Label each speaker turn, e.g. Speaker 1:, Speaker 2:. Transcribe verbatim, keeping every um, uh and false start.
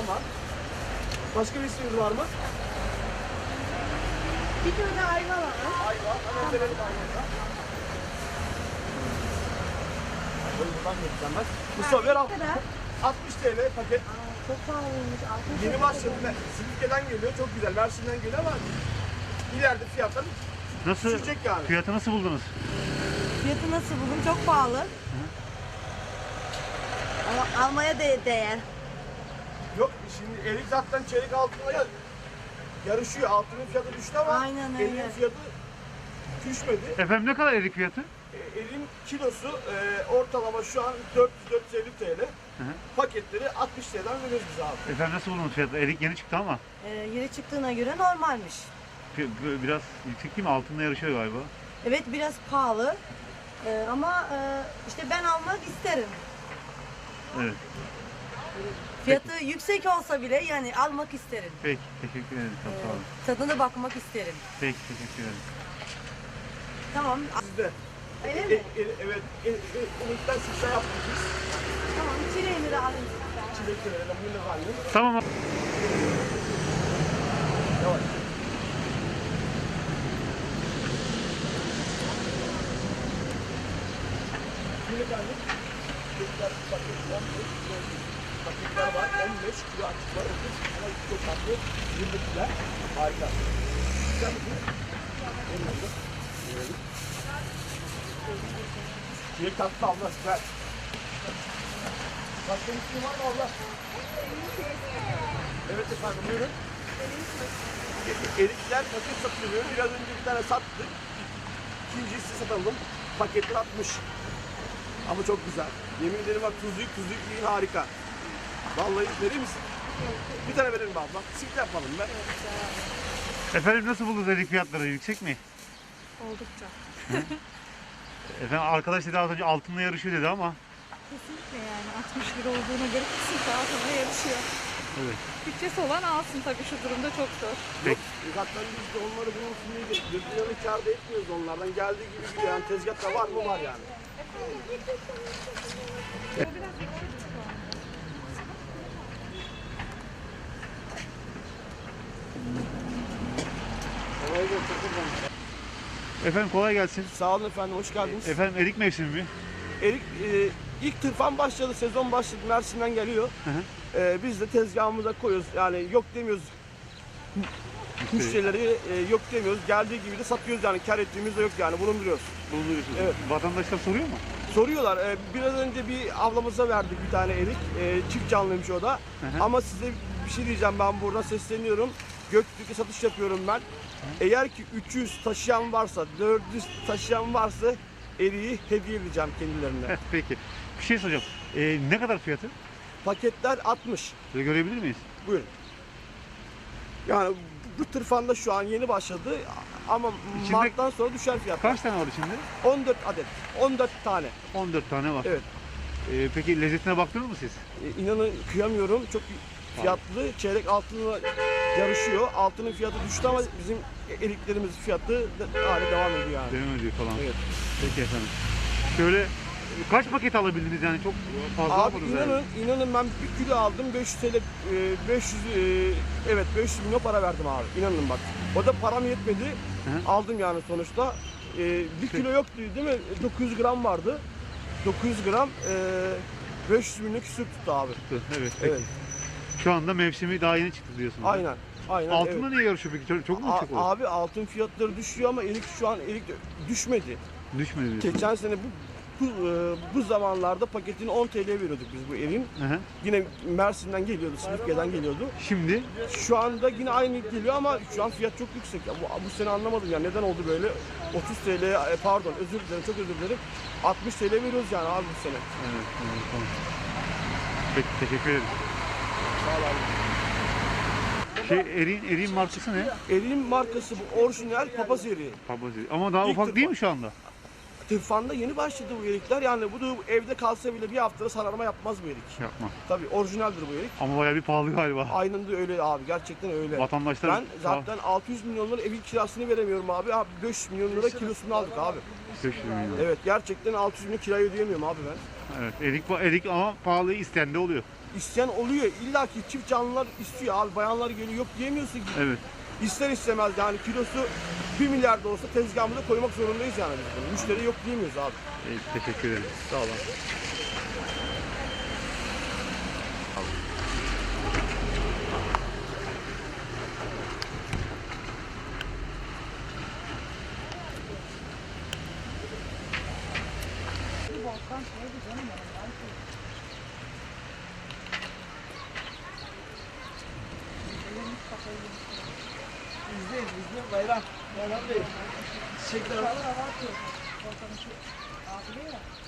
Speaker 1: var. Başka bir isminiz var mı?
Speaker 2: Bir tane ayva var.
Speaker 1: Ayva. Hemen verelim ayvayı. Buradan geçeceğim ben. Mustafa ver al. altmış TL paket.
Speaker 2: Aa, çok pahalıymış. altmış
Speaker 1: Yeni
Speaker 2: lira
Speaker 1: başladı.
Speaker 2: paket.
Speaker 1: Silifke'den geliyor. Çok güzel. Mersin'den geliyor ama ileride fiyatlar
Speaker 3: Nasıl?
Speaker 1: düşecek yani.
Speaker 3: Fiyatı nasıl buldunuz?
Speaker 2: Fiyatı nasıl buldun? Çok pahalı. Ama almaya de değer.
Speaker 1: Yok şimdi erik zaten çeyrek altına ya- yarışıyor. Altının fiyatı düştü ama
Speaker 2: Aynen öyle.
Speaker 1: eriğin fiyatı düşmedi.
Speaker 3: Efendim ne kadar erik fiyatı?
Speaker 1: E, Eriğin kilosu e, ortalama şu an dört yüz dört yüz elli TL.
Speaker 3: Hı hı.
Speaker 1: Paketleri altmış TL'den veriyoruz biz abi.
Speaker 3: Efendim nasıl buldunuz fiyatı? Erik yeni çıktı ama
Speaker 2: Ee, yeri çıktığına göre normalmiş.
Speaker 3: fi- biraz yüksek değil mi? Altında yarışıyor galiba.
Speaker 2: Evet biraz pahalı. Ee, ama e, işte ben almak isterim.
Speaker 3: Evet.
Speaker 2: Fiyatı yüksek olsa bile yani almak isterim.
Speaker 3: Peki. Teşekkür ederim. Çok sağ olun.
Speaker 2: Tadına bakmak isterim.
Speaker 3: Peki. Teşekkür ederim.
Speaker 2: Tamam.
Speaker 1: Sizde.
Speaker 2: Öyle
Speaker 1: E,
Speaker 2: mi?
Speaker 1: e, evet. E, e, Erikten sıkça yaptık biz.
Speaker 2: Tamam. Çileğini de alayım.
Speaker 1: Çilek verelim. Bunu alayım.
Speaker 3: Tamam abi.
Speaker 1: Yavaş. Çilek alayım. Çilekler paket on beş kilo. Paketler var. on beş kilo açık var. otuz ama çok tatlı. yirmi kilo. Harika. Güzel mi? Elinde. Verelim. Çilek tatlı abla. Ver. Başka bir şey var mı abla? Evet efendim buyurun. E- Erikler paket satılıyor. Biraz önce bir tane sattık. İkincisi satalım. Paketler altmış. Ama çok güzel. Yemin ederim bak tuzluyuk tuzluyuk yiyin harika. Vallahi verir misin? Bir tane verelim abla. Sık yapalım ben.
Speaker 3: Efendim nasıl buldunuz erik fiyatları? Yüksek mi?
Speaker 4: Oldukça.
Speaker 3: Efendim arkadaş dedi az önce altında yarışıyor dedi ama.
Speaker 4: Kesinlikle yani altmış lira olduğuna göre kesinlikle altına yarışıyor.
Speaker 3: Evet.
Speaker 4: Bütçesi olan alsın tabii şu durumda çok zor.
Speaker 1: Yok, zaten biz de onları bulunsun diye değil. Gözünü kâr da etmiyoruz onlardan. Geldiği gibi gidiyor. Yani tezgahta var mı var yani. Kolay gelsin.
Speaker 3: Efendim kolay gelsin.
Speaker 1: Sağ olun efendim, hoş geldiniz.
Speaker 3: Efendim erik mevsimi mi?
Speaker 1: Erik e, ilk tırfan başladı, sezon başladı, Mersin'den geliyor.
Speaker 3: Hı hı.
Speaker 1: E, biz de tezgahımıza koyuyoruz. Yani yok demiyoruz. Müşterileri e, yok demiyoruz. Geldiği gibi de satıyoruz yani. Kar ettiğimiz de yok yani. Bunu biliyoruz.
Speaker 3: Buluyorsunuz.
Speaker 1: Evet.
Speaker 3: Vatandaşlar soruyor mu?
Speaker 1: Soruyorlar. e, biraz önce bir ablamıza verdik bir tane erik. E, çift canlıymış o da.
Speaker 3: hı.
Speaker 1: Ama size bir şey diyeceğim, ben buradan sesleniyorum. Göktürk'e satış yapıyorum ben. Eğer ki üç yüz taşıyan varsa, dört yüz taşıyan varsa eriği hediye edeceğim kendilerine.
Speaker 3: Peki. Bir şey soracağım. Ee, ne kadar fiyatı?
Speaker 1: Paketler altmış.
Speaker 3: Böyle görebilir miyiz?
Speaker 1: Buyurun. Yani bu tırfanda şu an yeni başladı ama
Speaker 3: İçinde-
Speaker 1: Mart'tan sonra düşer fiyatlar.
Speaker 3: Kaç tane var içinde?
Speaker 1: on dört adet. on dört tane.
Speaker 3: on dört tane var.
Speaker 1: Evet.
Speaker 3: Ee, peki lezzetine baktınız mı siz?
Speaker 1: E, inanın kıyamıyorum. Çok fiyatlı. Çeyrek altınla yarışıyor. Altının fiyatı düştü ama bizim eriklerimiz fiyatı de- hala devam ediyor yani.
Speaker 3: Devam ediyor falan.
Speaker 1: Evet.
Speaker 3: Peki efendim. Şöyle kaç paket alabildiniz yani çok fazla
Speaker 1: Abi
Speaker 3: almadınız
Speaker 1: inanın,
Speaker 3: yani.
Speaker 1: inanın ben bir kilo aldım beş yüz TL, e, beş yüz e, evet beş yüz milyon para verdim abi. İnanın bak. O da param yetmedi.
Speaker 3: Hı.
Speaker 1: Aldım yani sonuçta. E, bir kilo yoktu değil mi? dokuz yüz gram vardı. dokuz yüz gram e, beş yüz milyon küsür tuttu abi.
Speaker 3: Evet peki.
Speaker 1: Evet.
Speaker 3: Şu anda mevsimi daha yeni çıktı diyorsunuz.
Speaker 1: Aynen. Aynen.
Speaker 3: Altında
Speaker 1: evet.
Speaker 3: niye yarışıyor peki? Çok, çok mu
Speaker 1: A-
Speaker 3: yüksek olur?
Speaker 1: abi altın fiyatları düşüyor ama erik şu an erik düşmedi.
Speaker 3: Düşmedi diyorsun.
Speaker 1: Geçen sene bu bu, e, bu zamanlarda paketini on T L veriyorduk biz bu eriğin.
Speaker 3: Hı hı.
Speaker 1: Yine Mersin'den geliyordu, Silifke'den geliyordu.
Speaker 3: Şimdi
Speaker 1: Şu anda yine aynı geliyor ama şu an fiyat çok yüksek. Ya bu, bu sene anlamadım ya neden oldu böyle? otuz TL e, pardon özür dilerim çok özür dilerim. altmış TL veriyoruz yani abi bu sene.
Speaker 3: evet, evet, tamam. Peki teşekkür ederim.
Speaker 1: Sağ ol abi.
Speaker 3: Şey eriğin, eriğin markası ne?
Speaker 1: Eriğin markası bu orijinal papaz eriği.
Speaker 3: Papaz eriği. Ama daha
Speaker 1: İlk
Speaker 3: ufak
Speaker 1: tırpan.
Speaker 3: değil mi şu anda?
Speaker 1: Tırfanda yeni başladı bu erikler. Yani bu da evde kalsa bile bir haftada sararma yapmaz bu erik.
Speaker 3: Yapma.
Speaker 1: Tabii orijinaldir bu erik.
Speaker 3: Ama bayağı bir pahalı galiba.
Speaker 1: Aynen de öyle abi. Gerçekten öyle.
Speaker 3: Vatandaşlar
Speaker 1: Ben zaten altı yüz milyon lira evin kirasını veremiyorum abi. Abi beş yüz milyon lira kilosunu aldık abi.
Speaker 3: beş yüz milyon.
Speaker 1: Evet gerçekten altı yüz milyon kirayı ödeyemiyorum abi ben.
Speaker 3: Evet, erik, erik ama pahalı isteyen de oluyor.
Speaker 1: İsteyen oluyor. İlla ki çift canlılar istiyor abi. Bayanlar geliyor. Yok diyemiyorsun ki.
Speaker 3: Evet.
Speaker 1: İster istemez yani kilosu bir milyar da olsa tezgahımıza koymak zorundayız yani biz bunu. Müşteri yok diyemiyoruz abi.
Speaker 3: E, teşekkür ederim.
Speaker 1: Sağ olun. İzleyin, izleyin bayram. Bayram Bey. Çiçekler var.